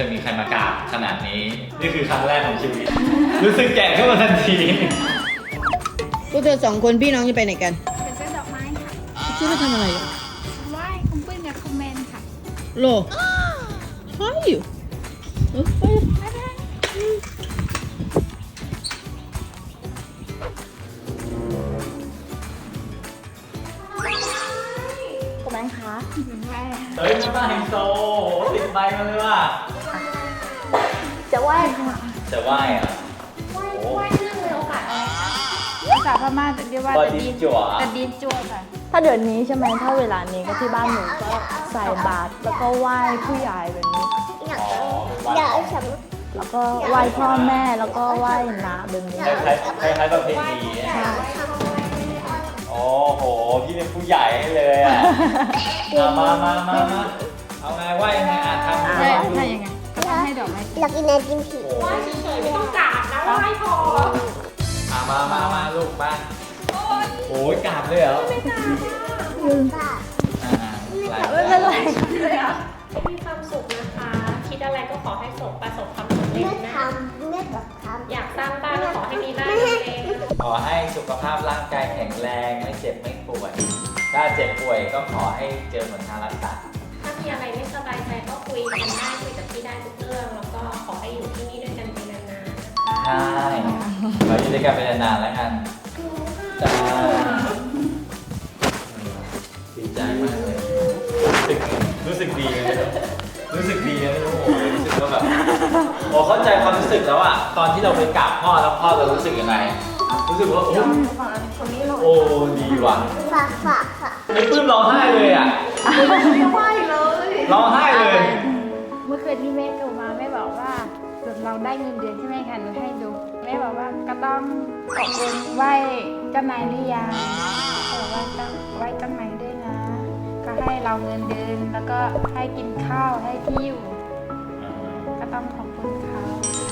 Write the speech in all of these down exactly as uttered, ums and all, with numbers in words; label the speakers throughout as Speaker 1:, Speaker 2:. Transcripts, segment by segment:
Speaker 1: ยมีใครมากราบขนาดนี้นี่คือครั้งแรกของชีวิตรู้สึกแก่ขึ้นมาทันที
Speaker 2: พวกเธอสองคนพี่น้องจะไปไหนกัน
Speaker 3: ไปซื้อดอกไม้ค่ะ
Speaker 2: ซื้อมาทำอะไรอ่ะ
Speaker 3: ไหว้คุณปุ้ยกับคุณแมนค่ะ
Speaker 2: โลใช่อยู่เออไป
Speaker 3: คุณแมนคะไหว้
Speaker 1: เฮ้ยไม่มาไฮโซติดใบมาเลยว่ะ
Speaker 3: จะไหว้ค่ะ
Speaker 1: จะไหว้อ่ะ
Speaker 3: ไหว้ไหว้เรื่องในโอกาสอะไรภาษาพม่าจะเรียกว่าตะดีจั่วตะดีจั่วค่ะ
Speaker 4: ถ้าเดือนนี้ใช่ไหมถ้าเวลานี้ก็ที่บ้านหนูก็ใส่บาตรแล้วก็ไหว้ผู้ใหญ่แบบนี้
Speaker 1: อยาก
Speaker 4: แล้วก็ไหว้พ่อแม่แล้วก็ไหว้น้าแบบนี้
Speaker 1: คล้ายๆคล้ายๆประเพณีโอ้โหพี่เป็นผู้ใหญ่เลยอ่ะมามามามาเอาไงไหว้ยังไงอ่ะทำ
Speaker 3: ใช่ใช่ยังไงก็ต้องให้ดอกไม้
Speaker 5: อยากกินไอติมผี
Speaker 3: ไหว้เฉยๆไม่ต้องกราบนะไหว้พอ
Speaker 1: อ่ะมามามาลูกมาโอ้ยกราบเลยเหรอ
Speaker 5: ไม่กราบ
Speaker 1: อ่าไม่เป็นไร
Speaker 6: มีความสุขนะคะคิดอะไรก็ขอให้สมประสบความสำเร็จนะอยากสร้างบ้านก็ขอให้มีบ้านเอง
Speaker 1: ขอให้สุขภาพร่างกายแข็งแรงไม่เจ็บไม่ป่วยถ้าเจ็บป่วยก็ขอให้เจอหนทางรักษา
Speaker 6: ถ้ามีอะไรไม่สบายใจก็คุยกันได้คุยกับพี่ได้ทุกเรื่องแล้วก็ขอให้อยู่ที่นี่ด้วยกันไปนานๆนะคะ
Speaker 1: ใช่เราอยู่ด้วยกันไปนานๆแล้วกันจ้าดีใจมากเลยรู้สึกดีเลยรู้สึกดีนะไม่รู้โอ้รู้สึกว่าแบบโอ้เข้าใจความรู้สึกแล้วอะตอนที่เราไปกราบพ่อแล้วพ่อเรารู้สึกยังไงรู้สึกว่าโอ้โอ้ดีว่ะ
Speaker 5: ฝากฝากค่ะ
Speaker 1: ไอ้ปื้มร้องไห้เลยอะ
Speaker 3: ไหว้เลย
Speaker 1: ร้องไห้เลย
Speaker 3: เมื่อคืนที่แม่โทรมาแม่บอกว่าเราได้เงินเดือนใช่ไหมคะหนูให้ดูแม่บอกว่าก็ต้องขอบคุณไหว้เจ้านายหรือยังบอกว่าต้องไหว้เจ้านายด้วยนะก็ให้เราเงินเดือนแล้วก็ให้กินข้าวให้ที่อยู่ก็ต้องขอบคุณเขา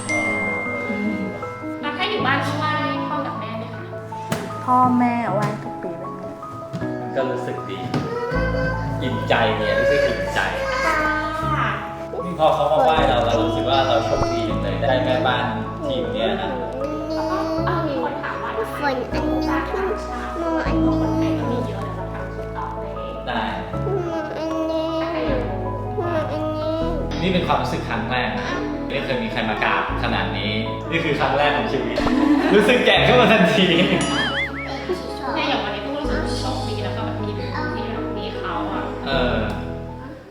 Speaker 6: แล้วถ้าอยู่บ้านก็ไหว้พ่อกับแม่ไหมคะ
Speaker 4: พ่อแม่ไหว้ทุกปีแบบนี้
Speaker 1: ก็รู้สึกดีอิ่มใจเนี่ยรู้สึกอิ่มใจนี่พอเขามาไหว้เราเรารู้สึกว่าเราโชคดีเลยได้แม่บ้านทีมเนี้ยนะ
Speaker 6: มีคนถามว่า
Speaker 5: ฝนอันนี้ขึ้นมออันนี้
Speaker 6: คนไทยก็มีเยอะแล้วเราทำสุดต่อเลย
Speaker 1: ได้
Speaker 5: มออันนี้มออันนี้
Speaker 1: นี่เป็นความรู้สึกครั้งแรกไม่เคยมีใครมากราบขนาดนี้นี่คือครั้งแรกของชีวิตรู้สึกแก่ขึ้นมาทันที
Speaker 6: เนี่ยอย่างวันนี้ต้องรู้สึกโชคดีแล้วก็แบบมี